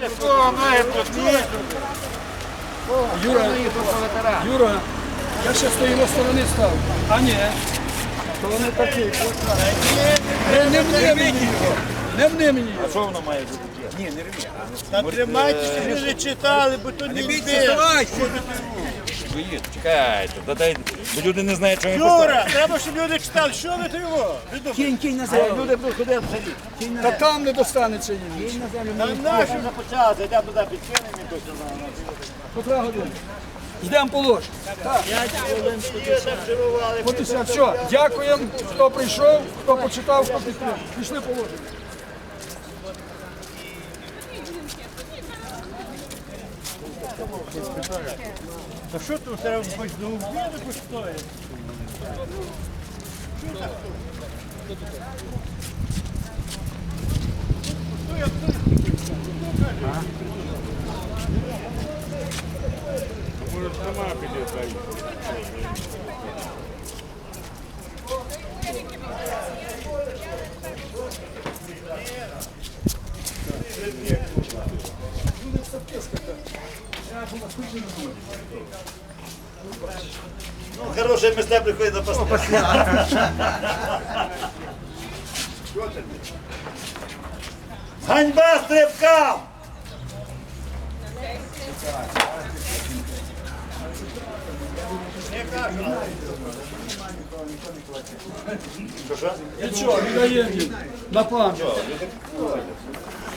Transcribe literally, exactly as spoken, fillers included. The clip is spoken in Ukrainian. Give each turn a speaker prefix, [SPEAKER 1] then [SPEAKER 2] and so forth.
[SPEAKER 1] Юра, Юра, я ще з тої сторони став. А ні. То вони такі. Не, не вни мені його. Не вни мені його.
[SPEAKER 2] А що воно має бути? Ні, не рві.
[SPEAKER 3] Та тримайтеся, люди читали, бо то не йде.
[SPEAKER 2] Ви чекайте, дай, бо люди не знають, що ми
[SPEAKER 3] Юра, треба, щоб люди читали. Що ви то його?
[SPEAKER 1] Кінь, кінь на землю.
[SPEAKER 3] Люди будуть ходити в селі.
[SPEAKER 1] Та там не достанеться їм.
[SPEAKER 3] Та наші вже почали, йдемо туди підкинемо і точно на
[SPEAKER 1] Котра година. Йдемо по ложку. От і все. Все. Дякуємо, хто прийшов, хто почитав, хто підтримав. Пішли по ложку.
[SPEAKER 3] Та що тут треба хоч до обіду постоїть?
[SPEAKER 2] Ну, хороше місце приходить на посля. Ганьба стрибкам! Що, що?
[SPEAKER 1] Нічого, віддаємо їм. На пам'ять.